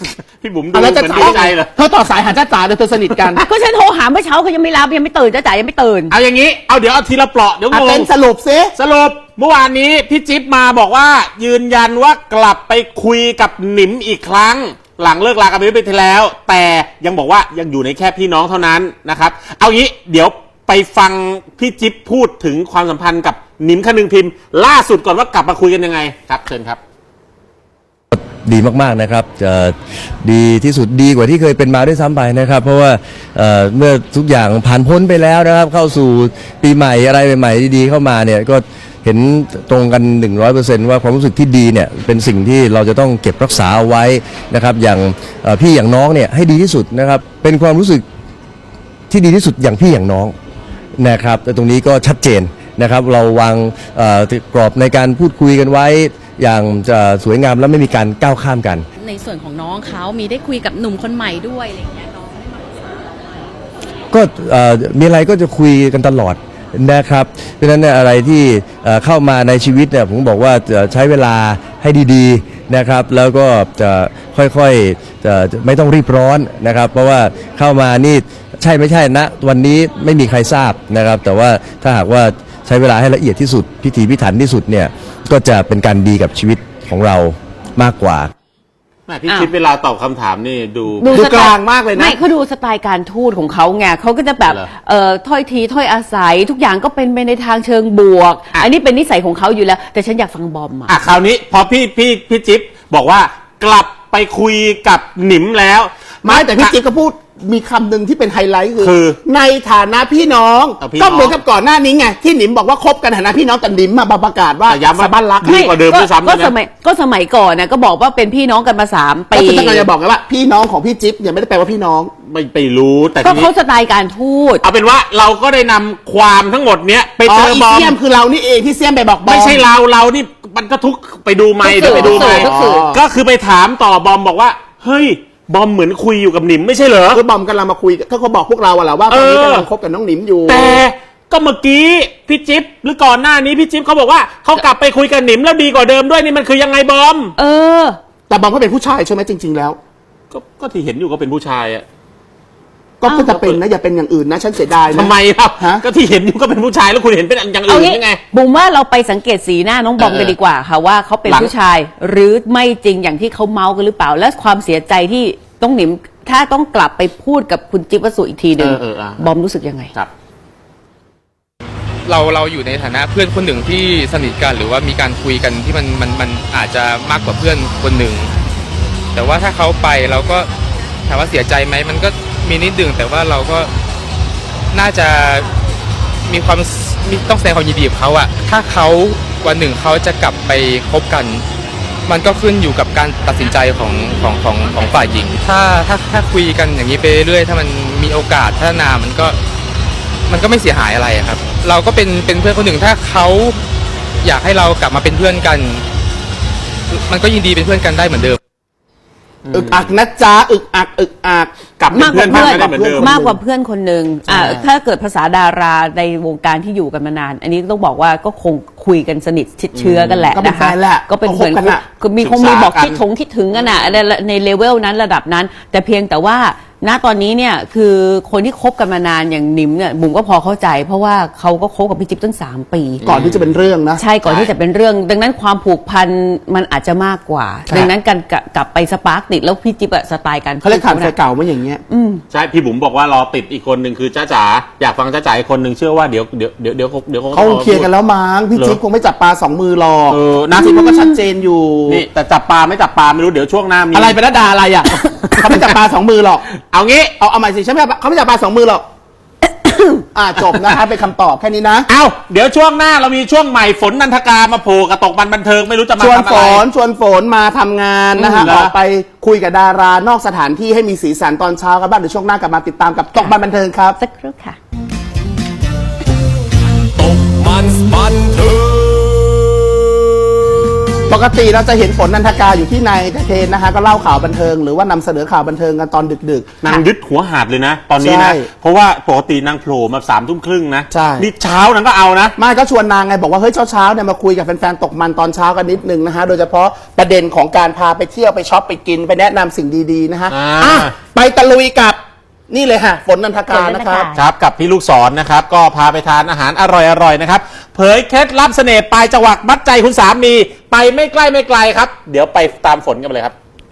Speaker 4: พี่บุ๋มดู
Speaker 3: อ่ะ
Speaker 4: เห
Speaker 3: แล้
Speaker 4: มื
Speaker 3: ว
Speaker 4: อน
Speaker 3: จะ
Speaker 4: ดีใจเหรอ
Speaker 3: เธอต่อสายหาจ้าจ๋าเดี๋ยวเธอสนิทกัน
Speaker 5: ก็ฉันโทรหาเมื่อเช้าเขายังไม่รับยังไม่ตื่นจ้าจ๋ายังไม่ตื่น
Speaker 4: เอาอย่างนี้เอาเดี๋ยวเอาทีละเปราะเดี๋ยว
Speaker 3: อ่ะ
Speaker 4: ง
Speaker 3: เต้
Speaker 4: ง
Speaker 3: นสรุปซิ
Speaker 4: สรุปเมื่อวานนี้พี่จิ๊บมาบอกว่ายืนยันว่ากลับไปคุยกับหนิมอีกครั้ง หลังเลิกลากันไปไปทีแล้ว แต่ยังบอกว่ายังอยู่ในแค่พี่น้องเท่านั้นนะครับเอางี้เดี๋ยวไปฟังพี่จิ๊บพูดถึงความสัมพันธ์กับหนิมคนึงพิมพ์ล่าสุดก่อนว่ากลับมาคุยกันยังไงครับเชิญครับ
Speaker 8: ดีมากๆนะครับจะดีที่สุดดีกว่าที่เคยเป็นมาด้วยซ้ำไปนะครับ เพราะว่าเอ่อเมื่อทุกอย่างผ่านพ้นไปแล้วนะครับ เข้าสู่ปีใหม่อะไรใหม่ๆดีๆเข้ามาเนี่ยก็เห็นตรงกัน หนึ่งร้อยเปอร์เซ็นต์ ว่าความรู้สึกที่ดีเนี่ยเป็นสิ่งที่เราจะต้องเก็บรักษาเอาไว้นะครับอย่างเอ่อพี่อย่างน้องเนี่ยให้ดีที่สุดนะครับเป็นความรู้สึกที่ดีที่สุดอย่างพี่อย่างน้องนะครับแต่ตรงนี้ก็ชัดเจนนะครับเราวางเอ่อกรอบในการพูดคุยกันไว้อย่างจะสวยงามและไม่มีการก้าวข้ามกัน
Speaker 9: ในส่วนของน้องเขามีได้คุยกับหนุ่มคนใหม่ด้วยอะไรอย่างเงี้ยน้อง
Speaker 8: ก็เอ่อมีอะไรก็จะคุยกันตลอดนะครับ เพราะฉะนั้นเนี่ยอะไรที่เอ่อเข้ามาในชีวิตเนี่ยผมบอกว่าจะใช้เวลาให้ดีๆนะครับ แล้วก็จะค่อยๆจะไม่ต้องรีบร้อนนะครับ เพราะว่าเข้ามานี่ใช่ไม่ใช่นะวันนี้ไม่มีใครทราบนะครับ แต่ว่าถ้าหากว่าใช้เวลาให้ละเอียดที่สุดพิถีพิถันที่สุดเนี่ยก็จะเป็นการดีกับชีวิตของเรามากกว่า
Speaker 4: แม่พี่จิ๊บเวลาตอบคำถามนี่ดู
Speaker 3: ดู
Speaker 5: สไต
Speaker 3: กลางมากเลยนะ
Speaker 5: ไม่เขาดูสไตล์การทูตของเขาไงเขาก็จะแบบ
Speaker 4: เหรอ
Speaker 5: เอ่อถ้อยทีถ้อยอาศัย ทุกอย่างก็เป็นไปในทางเชิงบวก
Speaker 4: อ่ะ
Speaker 5: อันนี้เป็นนิสัยของเขาอยู่แล้ว แต่ฉันอยากฟังบอมอ่ะ
Speaker 4: อ่ะคราวนี้พอพี่พี่พี่จิ๊บบอกว่ากลับไปคุยกับหนิมแล้ว
Speaker 3: ไม่แต่พี่จิ๊บก็พูดมีคำหนึ่งที่เป็นไฮไลท์
Speaker 4: คื
Speaker 3: คือ อในฐานะพี่น้อง
Speaker 4: เอาพี่
Speaker 3: ก็
Speaker 4: น้อง
Speaker 3: เหมือนกับก่อนหน้านี้ไงที่หนิมบอกว่าคบกันในฐานะพี่น้องแต่หนิมมาประกาศว่า
Speaker 4: แต่ย้ำว่า
Speaker 3: สะบั้นรัก
Speaker 4: ดีกว่าเดิมด้วยซ้ำ
Speaker 5: ก็
Speaker 4: ด้วยนะ
Speaker 5: สมัยก็สมัยก่อนนะก็บอกว่าเป็นพี่น้องกันมาสาม
Speaker 3: ก็
Speaker 5: ปี
Speaker 3: คือต้องการจะบอกไงว่าพี่น้องของพี่จิ๊บเนี่ยไม่ได้แปลว่าพี่น้อง
Speaker 4: ไม่ไปรู้แต่
Speaker 5: ก็
Speaker 4: ทีนี้
Speaker 5: เขาสไตล์การทูต
Speaker 4: เอาเป็นว่าเราก็ได้นำความทั้งหมดเนี้ยไป
Speaker 3: อ๋
Speaker 4: เจ
Speaker 3: อ
Speaker 4: อ
Speaker 3: อี
Speaker 4: บอม
Speaker 3: เซียมคือเรานี่เองที่เซียมไปบอกบอม
Speaker 4: ไม่ใช่เราเรานี่มันก็ทุกไปดูไม่
Speaker 5: ทุกสื่
Speaker 4: เดี๋ยว
Speaker 5: อ
Speaker 4: ไปดูไม่
Speaker 5: ทุกสื่อ
Speaker 4: ก็คือไปถามต่อบอมบอกว่าเฮ้ยบอมเหมือนคุยอยู่กับหนิมไม่ใช่เหรอ
Speaker 3: คือบอมกำลังมาคุยเขาก็บอกพวกเราอะแหละว่าตอนนี้
Speaker 4: เออ
Speaker 3: กำลังคบกับน้องหนิมอยู่
Speaker 4: แต่ก็เมื่อกี้พี่จิ๊บหรือก่อนหน้านี้พี่จิ๊บเขาบอกว่าเขากลับไปคุยกับหนิมแล้วดีกว่าเดิมด้วยนี่มันคือยังไงบอม
Speaker 5: เออ
Speaker 3: แต่บอมก็เป็นผู้ชายใช่ไหมจริง ๆ แล้ว
Speaker 4: ก็ก็ที่เห็นอยู่ก็เป็นผู้ชายอะ
Speaker 3: ก็ก็จะเป็นนะอย่าเป็นอย่างอื่นนะฉันเสียดายนะ
Speaker 4: ทำไมครับ
Speaker 3: ฮะ
Speaker 4: ก็ที่เห็นอยู่ก็เป็นผู้ชายแล้วคุณเห็นเป็นอย่าง
Speaker 5: เอา
Speaker 4: อื่น
Speaker 5: งี้
Speaker 4: ยังไง
Speaker 5: บุ๋มว่าเราไปสังเกตสีหน้าน้องบอม
Speaker 4: เออ
Speaker 5: กันดีกว่าค่ะว่าเขาเป็น
Speaker 4: หลัง
Speaker 5: ผู้ชาย หรือไม่จริงอย่างที่เขาเมาส์กันหรือเปล่า และความเสียใจที่ต้องหนิมถ้าต้องกลับไปพูดกับคุณจิ๊บวสุอีกทีหนึ่ง
Speaker 4: เออเอออ่ะ
Speaker 5: บอมรู้สึกยังไง
Speaker 4: ครับ
Speaker 10: เราเราอยู่ในฐานะเพื่อนคนหนึ่งที่สนิทกันหรือว่ามีการคุยกันที่มันมันมันอาจจะมากกว่าเพื่อนคนหนึ่งแต่ว่าถ้าเขาไปเราก็ถามว่าเสียใจไหมมันก็มีนิดนึงแต่ว่าเราก็น่าจะมีความมีต้องแสดงความยินดีกับเขาอะถ้าเขาวันหนึ่งเขาจะกลับไปคบกัน มันก็ขึ้นอยู่กับการตัดสินใจของของของของฝ่ายหญิง ถ้าถ้าถ้าคุยกันอย่างนี้ไปเรื่อยๆถ้ามันมีโอกาสพัฒนามันก็ มันก็ไม่เสียหายอะไรอะครับ เราก็เป็นเป็นเพื่อนคนหนึ่งถ้าเขาอยากให้เรากลับมาเป็นเพื่อนกัน มันก็ยินดีเป็นเพื่อนกันได้เหมือนเดิม
Speaker 3: อึกอักนะจ๊ะอึกอักอึกอัก
Speaker 4: กลับเป็น
Speaker 5: มากกว่า
Speaker 4: เพื่
Speaker 5: เพื่
Speaker 4: อ
Speaker 5: อน น
Speaker 4: กันได้เหมือนเดิม
Speaker 5: มากกว่าเพื่อนคนหนึ่งอ่า
Speaker 3: ใช่
Speaker 5: ถ้าเกิดภาษาดาราในวงการที่อยู่กันมานาน อันนี้ต้องบอกว่าก็คงคุยกันสนิทชิดเชื้อกันแหละ
Speaker 3: ก็เป็น
Speaker 5: นะ
Speaker 3: แฟ
Speaker 5: คะ
Speaker 3: นแหละ
Speaker 5: ก็เป็นเหมือน
Speaker 3: ก็คบกันอะ
Speaker 5: คือมีคงมีบอกคิดถงคิดถึงกันอะในในเลเวลนั้นระดับนั้น แต่เพียงแต่ว่าณตอนนี้เนี่ยคือคนที่คบกันมานานอย่างนิมเนี่ยบุ๋มก็พอเข้าใจ เพราะว่าเขาก็คบกับพี่จิ๊บตั้งสามปี
Speaker 3: ก่อนที่จะเป็นเรื่องนะ
Speaker 5: ใช่ก่อนที่จะเป็นเรื่อง ดังนั้นความผูกพันมันอาจจะมากกว่า
Speaker 3: ครับ
Speaker 5: ดังนั้นการกลับกลับไปสปาร์กติดแล้วพี่จิ๊บอะสไตล์การ
Speaker 3: เขาเรียกขาด
Speaker 5: พูด
Speaker 3: แฟนเก่ามาอย่างเงี้ย
Speaker 5: อืม
Speaker 4: ใช่พี่บุ๋มบอกว่ารอติดอีกคนหนึ่งคือจ้าจ๋าอยากฟังจ้าจ๋าอีกคนหนึ่งเชื่อว่าเดี๋ยวเดี๋ยวเดี๋ยวเดี๋ยวเดี๋ยว
Speaker 3: เขาเคลียร์กันแล้วมั้งพี่
Speaker 4: เหรอ
Speaker 3: จิ๊บคงไม่จับปลาสองมือหรอก
Speaker 4: เออ
Speaker 3: นะจิ๊บเขาก็ชัดเจนอยู่
Speaker 4: นี่แต่จับปลาไม่จับปลาไม่รู้เดี๋ยวช่วงหน้ามี
Speaker 3: อะไรเป็นระดาอะไรอ่ะ เขาไม่จับปลาสองมือหรอก
Speaker 4: เอางี้
Speaker 3: เอาเอาใหม่สิฉันไม่จับเขาไม่จับปลาสองมือหรอก อ่าจบนะคะเป็นคำตอบแค่นี้นะ
Speaker 4: เอาเดี๋ยวช่วงหน้าเรามีช่วงใหม่ฝนนันทกามาโผล่กระตกบันบันเทิงไม่รู้จะมา
Speaker 3: ชวน
Speaker 4: ทำ
Speaker 3: ฝ
Speaker 4: อะไร
Speaker 3: นชวนฝนมาทำงานนะฮะ
Speaker 4: อืมเหรอ
Speaker 3: ออกไปคุยกับดารานอกสถานที่ให้มีสีสันตอนเช้ากันบ้างเดี๋ยวช่วงหน้ากลับมาติดตามกับตกบันบันเทิงครับ
Speaker 5: สักครู่ค่ะ
Speaker 1: ตกมันบันเทิง
Speaker 3: ตปกติเราจะเห็นฝนนันทกาอยู่ที่ในแต่เทนนะคะก็เล่าข่าวบันเทิงหรือว่านำเสนอข่าวบันเทิงกันตอนดึกๆ
Speaker 4: นางยึดหัวหาดเลยนะ ตอนนี้นะ
Speaker 3: ใช่
Speaker 4: เพราะว่าปกตินางโผล่มาสามทุ่มครึ่งนะ
Speaker 3: ใช่
Speaker 4: นี่เช้านางก็เอานะ
Speaker 3: ไม่ก็ชวนนางไงบอกว่าเฮ้ยเช้าๆเนี่ยมาคุยกับแฟนๆตกมันตอนเช้ากันนิดนึงนะฮะโดยเฉพาะประเด็นของการพาไปเที่ยวไปช็อปไปกินไปแนะนำสิ่งดีๆนะฮะ
Speaker 4: อ่า
Speaker 3: อ่ะไปตะลุยกับนี่เลยค่ะฝนนันทกานะครับ
Speaker 4: ครับกับพี่ลูกศรนะครับก็พาไปทานอาหารอร่อยๆนะครับเผยเคล็ดลับเสน่ห์ปลายจวักมัดใจคุณสามีไปไม่ใกล้ไม่ไกลครับ เดี๋ยวไปตามฝนกันไปเลยครับ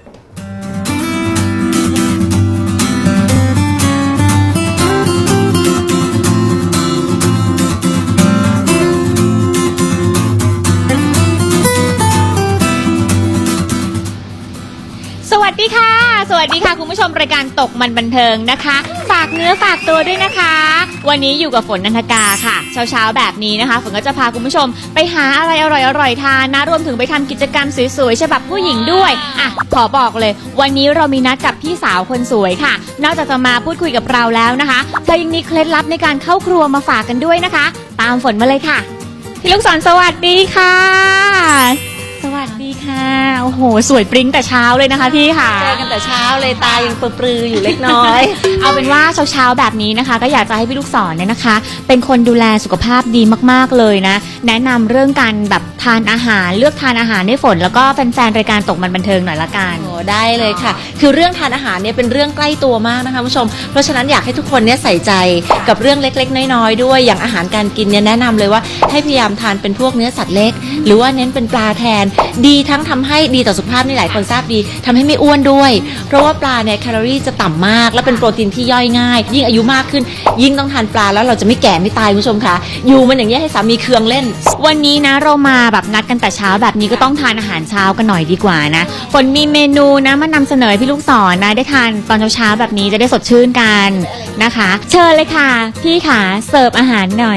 Speaker 11: สวัสดีค่ะ สวัสดีค่ะคุณผู้ชมรายการตกมันบันเทิงนะคะ ฝากเนื้อฝากตัวด้วยนะคะ วันนี้อยู่กับฝนนันทกาค่ะ เช้าๆแบบนี้นะคะฝนก็จะพาคุณผู้ชมไปหาอะไรอร่อยๆทานนะรวมถึงไปทำกิจกรรมสวยๆฉบับผู้หญิงด้วยอ่ะขอบอกเลย วันนี้เรามีนัดกับพี่สาวคนสวยค่ะนอกจากจะมาพูดคุยกับเราแล้วนะคะเธอยังมีเคล็ดลับในการเข้าครัวมาฝากกันด้วยนะคะ ตามฝนมาเลยค่ะพี่ลูกศรสวัสดีค่ะสวัสดีค่ะโอ้โหสวยปริ้งแต่เช้าเลยนะคะพี่ค่ะ
Speaker 5: เจอกันแต่เช้าเลยตายังปรือๆอยู่เล็กน้อย
Speaker 11: เอาเป็นว่าเช้าๆแบบนี้นะคะ ก็อยากจะให้พี่ลูกศรเนี่ยนะคะ เป็นคนดูแลสุขภาพดีมากๆเลยนะแนะนำเรื่องการแบบทานอาหารเลือกทานอาหารให้ฝนแล้วก็แฟนๆรายการตกมันบันเทิงหน่อยละกัน
Speaker 5: โอ้ได้เลยค่ะ คือเรื่องทานอาหารเนี่ยเป็นเรื่องใกล้ตัวมากนะคะคุณผู้ชม เพราะฉะนั้นอยากให้ทุกคนเนี่ยใส่ใจกับเรื่องเล็กๆน้อยๆด้วย อย่างอาหารการกินเนี่ยแนะนำเลยว่าให้พยายามทานเป็นพวกเนื้อสัตว์เล็ก หรือว่าเน้นเป็นปลาแทน ดีทั้งทำให้ดีต่อสุขภาพนี่หลายคนทราบดีทำให้ไม่อ้วนด้วย เพราะว่าปลาเนี่ยแคลอรี่จะต่ำมาก และเป็นโปรตีนที่ย่อยง่าย ยิ่งอายุมากขึ้น ยิ่งต้องทานปลาแล้วเราจะไม่แก่ไม่ตายคุณผู้ชมค่ะ อยู่มันอย่างนี้ยให้สามีเคืองเล่น
Speaker 11: วันนี้นะเรามาแบบนัดกันแต่เช้าแบบนี้ก็ต้องทานอาหารเช้ากันหน่อยดีกว่านะฝนมีเมนูนะมานำเสนอให้พี่ลูกศรนะได้ทานตอนเช้าๆแบบนี้จะได้สดชื่นกันนะคะ เชิญเลยค่ะ พี่ขาเสิร์ฟอาหารหน่อย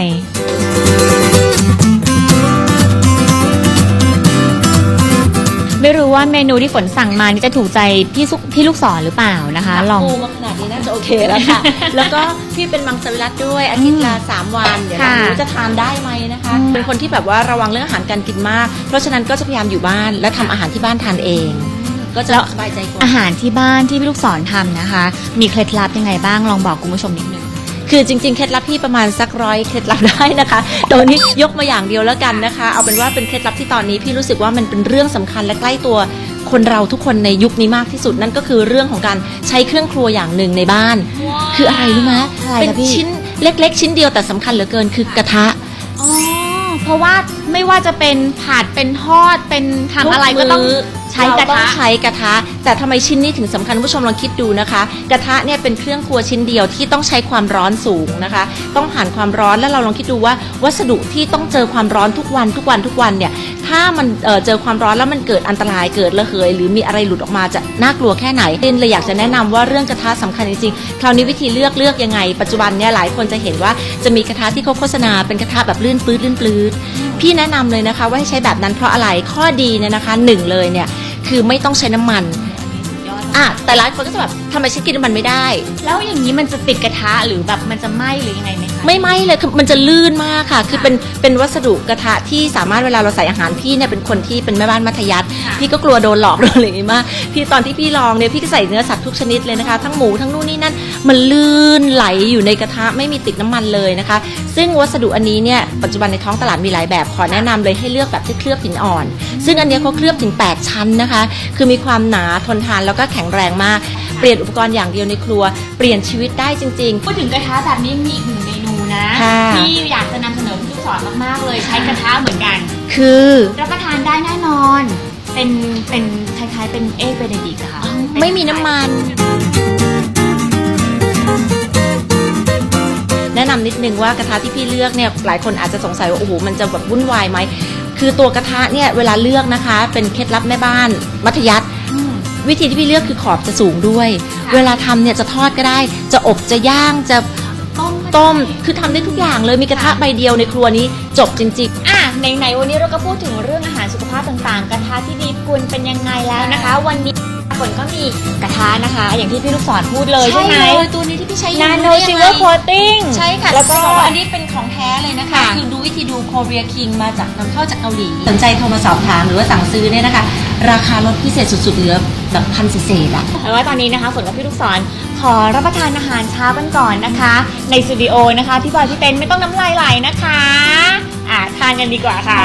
Speaker 11: ไม่รู้ว่าเมนูที่ฝนสั่งมานี่จะถูกใจพี่สุพี่ลูกศรหรือเปล่านะคะลอง
Speaker 5: ปูมาขนาดนี้น่าจะโอเคแล้วค่ะ แล้วก็พี่เป็นมังสวิรัตด้วยอาทิตย์ละสามวันเดี๋ยวเรา
Speaker 11: ค่ะ
Speaker 5: รู้จะทานได้ไหมนะคะ เป็นคนที่แบบว่าระวังเรื่องอาหารการกินมาก เพราะฉะนั้นก็จะพยายามอยู่บ้านและทำอาหารที่บ้านทานเอง ก็จะสบายใจกว่า
Speaker 11: อาหารที่บ้านที่พี่ลูกศรทำนะคะ มีเคล็ดลับยังไงบ้างลองบอกคุณผู้ชมนิดนึง
Speaker 5: คือจริงๆเคล็ดลับพี่ประมาณสักร้อยเคล็ดลับได้นะคะแต่วันนี้ยกมาอย่างเดียวแล้วกันนะคะ เอาเป็นว่าเป็นเคล็ดลับที่ตอนนี้พี่รู้สึกว่ามันเป็นเรื่องสำคัญและใกล้ตัวคนเราทุกคนในยุคนี้มากที่สุดนั่นก็คือเรื่องของการใช้เครื่องครัวอย่างหนึ่งในบ้าน คืออะไรรู้ไหม
Speaker 11: อะไร
Speaker 5: เป็น
Speaker 11: คะพี่
Speaker 5: ชิ้นเล็กๆ ชิ้นเดียวแต่สำคัญเหลือเกินคือกระทะ
Speaker 11: อ๋อเพราะว่าไม่ว่าจะเป็นผัดเป็นทอดเป็นทำอะไรก็ต้องใช้กระ
Speaker 5: เราต้อ
Speaker 11: ทะ
Speaker 5: งใช้กระทะ แต่ทำไมชิ้นนี้ถึงสำคัญคุณผู้ชมลองคิดดูนะคะ กระทะเนี่ยเป็นเครื่องครัวชิ้นเดียวที่ต้องใช้ความร้อนสูงนะคะ ต้องผ่านความร้อนแล้วเราลองคิดดูว่าวัสดุที่ต้องเจอความร้อนทุกวันทุกวันทุกวันเนี่ยถ้ามันเอ่อเจอความร้อนแล้วมันเกิดอันตรายเกิดระเหยหรือมีอะไรหลุดออกมาจะน่ากลัวแค่ไหนเต้นเลยอยากจะแนะนำว่าเรื่องกระทะสำคัญจริงๆคราวนี้วิธีเลือกเลือกยังไงปัจจุบันเนี่ยหลายคนจะเห็นว่าจะมีกระทะที่เขาโฆษณาเป็นกระทะแบบลื่นปลื้ดลื่นปลื้ดพี่แนะนำเลยนะคะว่าให้ใช้แบบนั้นเพราะอะไรข้อดีเนี่ยนะคะหนึ่งเลยเนี่ยคือไม่ต้องใช้น้ำมันอ่ะแต่หลายคนก็จะแบบทำไมฉันกินน้ำมันไม่ได้
Speaker 11: แล้วอย่างนี้มันจะติดกระทะหรือแบบมันจะไหม้หรือยังไงไหมคะ
Speaker 5: ไม่ไหม้เลยคือมันจะลื่นมากค่ะ คือเป็นเป็นวัสดุกระทะที่สามารถเวลาเราใส่อาหารพี่เนี่ยเป็นคนที่เป็นแม่บ้านมัธยัสถ์พี่ก็กลัวโดนหลอกโดนอะไรอย่างงี้มากพี่ตอนที่พี่ลองเนี่ยพี่ก็ใส่เนื้อสัตว์ทุกชนิดเลยนะคะทั้งหมูทั้งนู่นนี่นั่นมันลื่นไหลอยู่ในกระทะไม่มีติดน้ำมันเลยนะคะ ซึ่งวัสดุอันนี้เนี่ยปัจจุบันในท้องตลาดมีหลายแบบขอแนะนำเลยให้เลือกแบบที่เคลือบหินอ่อน ซึ่งอันเนี้ยเขาเคลือบถึงแปดชั้นนะคะคือมีความหนาทนทานแล้วก็แข็งแรงมากเปลี่ยนอุปกรณ์อย่างเดียวในครัวเปลี่ยนชีวิตได้จริงๆ
Speaker 11: พูดถึงกระทะแบบนี้มีอีกหนึ่งเมนูนะ
Speaker 5: ค่ะ
Speaker 11: ที่อยากจะนำเสนอพี่ลูกศรมากๆเลยใช้กระทะเหมือนกัน
Speaker 5: คือ
Speaker 11: รับประทานได้แน่นอน เป็นเป็นคล้ายๆเป็นเอ็กเบเนดิกต์อะค่ะ
Speaker 5: ไม่มีน้ำมัน แนะนำนิดนึงว่ากระทะที่พี่เลือกเนี่ยหลายคนอาจจะสงสัยว่าโอ้โหมันจะแบบวุ่นวายไหมคือตัวกระทะเนี่ยเวลาเลือกนะคะเป็นเคล็ดลับแม่บ้านมัธยัสถ์วิธีที่พี่เลือกคือขอบจะสูงด้วย เวลาทำเนี่ยจะทอดก็ได้ จะอบจะย่างจะ
Speaker 11: ต้ม
Speaker 5: ต้มคือทำได้ทุกอย่างเลยมีกระทะใบเดียวในครัวนี้จบจริงๆ
Speaker 11: อ่ะไหนๆวันนี้เราก็พูดถึงเรื่องอาหารสุขภาพต่างๆ กระทะที่ดีคุณเป็นยังไงแล้วนะคะ วันนี้ฝนก็มีกระทะนะคะ อย่างที่พี่ลูกศรพูดเลยใช่ไหม
Speaker 12: เลยตัวนี้ที่พี่ใช้อยู่
Speaker 11: Nano
Speaker 12: รู้ได้ยังไง
Speaker 11: Silver Coating
Speaker 12: ใช่ค่ะ
Speaker 11: แล้วก็
Speaker 12: บอกว่าอันนี้เป็นของแท้เลยนะคะ
Speaker 11: ค่ะ
Speaker 12: คือดูวิธีดู Korea King มาจากนำเข้าจากเกาหลีสนใจโทรมาสอบถามหรือว่าสั่งซื้อเนี่ยนะคะ ราคาลดพิเศษสุดๆเหลือแบบพันเศษๆอะ
Speaker 11: แต่ว่าตอนนี้นะคะฝนกับพี่ลูกศรขอรับประทานอาหารเช้ากันก่อนนะคะ ในสตูดิโอนะคะพี่บอยพี่เต้นไม่ต้องน้ำลายไหลนะคะอ่ะทานกันดีกว่าค่ะ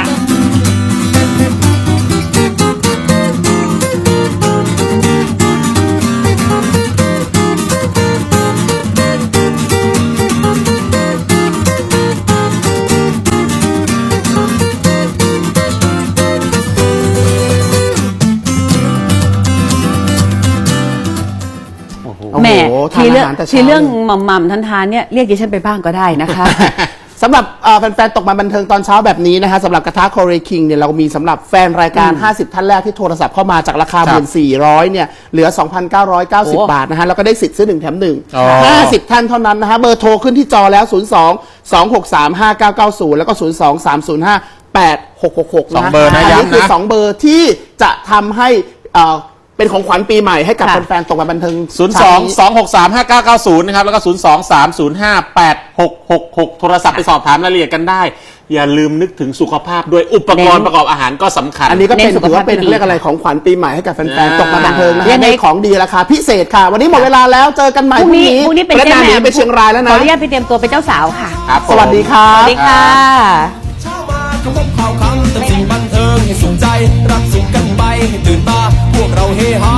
Speaker 5: แหม่
Speaker 3: โอ้โห
Speaker 5: ทีเรื่อง
Speaker 3: ทานอาหารแต่เช้า
Speaker 5: ทีเรื่อง
Speaker 3: เลย
Speaker 5: หม่ำๆทันๆเนี่ยเรียกดิฉันไปบ้างก็ได้นะคะ
Speaker 3: สำหรับเอ่อแฟนๆตกมาบันเทิงตอนเช้าแบบนี้นะฮะสำหรับกระทะ Korea King เนี่ยเรามีสำหรับแฟนรายการ ห้าสิบ ท่านแรกที่โทรศัพท์เข้ามาจากราคา หนึ่งพันสี่ร้อย เนี่ยเหลือ สองพันเก้าร้อยเก้าสิบ
Speaker 5: โอ้
Speaker 3: บาทนะฮะแล้วก็ได้สิทธิ์ซื้อหนึ่งแถมหนึ่ง
Speaker 4: อ๋อ
Speaker 3: ห้าสิบท่านเท่านั้นนะฮะเบอร์โทรขึ้นที่จอแล้ว ศูนย์ สอง สอง หก สาม ห้า เก้า เก้า ศูนย์ แล้วก็ ศูนย์ สอง สาม ศูนย์ ห้า แปด หก หก หก
Speaker 4: สองเบอร์นะ
Speaker 3: อันนี้
Speaker 4: ย้ำนะ
Speaker 3: คือสองเบอร์ที่จะทำให้เอ่อเป็นของขวัญปีใหม่ให้กับ
Speaker 5: ค่ะ
Speaker 3: แฟนๆตกมาบันเทิง
Speaker 4: ศูนย์ สอง สอง หก สาม ห้า เก้า เก้า ศูนย์ นะครับ แล้วก็ ศูนย์ สอง สาม ศูนย์ ห้า แปด หก หก หก โทรศัพท์ไปสอบถามรายละเอียดกันได้ อย่าลืมนึกถึงสุขภาพด้วยอุปกรณ์
Speaker 5: เน้น
Speaker 4: ประกอบอาหารก็สำคัญ
Speaker 3: อันนี้ก็เป็น
Speaker 5: เน้นสุข
Speaker 3: ถือ
Speaker 5: ภาพ
Speaker 3: ว่าเป็น
Speaker 5: ที่ดี
Speaker 3: เรียกอะไรของขวัญปีใหม่ให้กับแฟนๆตกมาบันเทิงนะ
Speaker 5: ยั
Speaker 3: ฮะ
Speaker 5: งไง
Speaker 3: ได้ของดีราคาพิเศษค่ะ วันนี้หมดเวลาแล้วเจอกันใหม่
Speaker 5: พรุ่งนี้พรุ่งนี้เป็น
Speaker 3: และ
Speaker 5: เจ๊
Speaker 3: นาน
Speaker 5: แห
Speaker 3: หนี
Speaker 5: ม่ม
Speaker 3: ไปเชียงรายแล้ว
Speaker 5: ขอ
Speaker 3: นะ
Speaker 5: อนุญาตไปเตรียมตัวเป็นเจ้าสาวค่ะ
Speaker 4: ครับผม
Speaker 3: สวัสดีครั
Speaker 5: ส
Speaker 3: บ
Speaker 5: วัสดีค่ะ
Speaker 1: เช้ามาก็พบข่าวคำเติมสิ่งบันเทิงให้สุขใจ รับสุขกันไปให้ตื่นตา พวกเราเฮฮา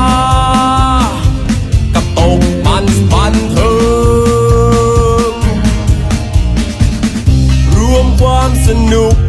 Speaker 1: กับตกมันบันเทิงรวมความสนุก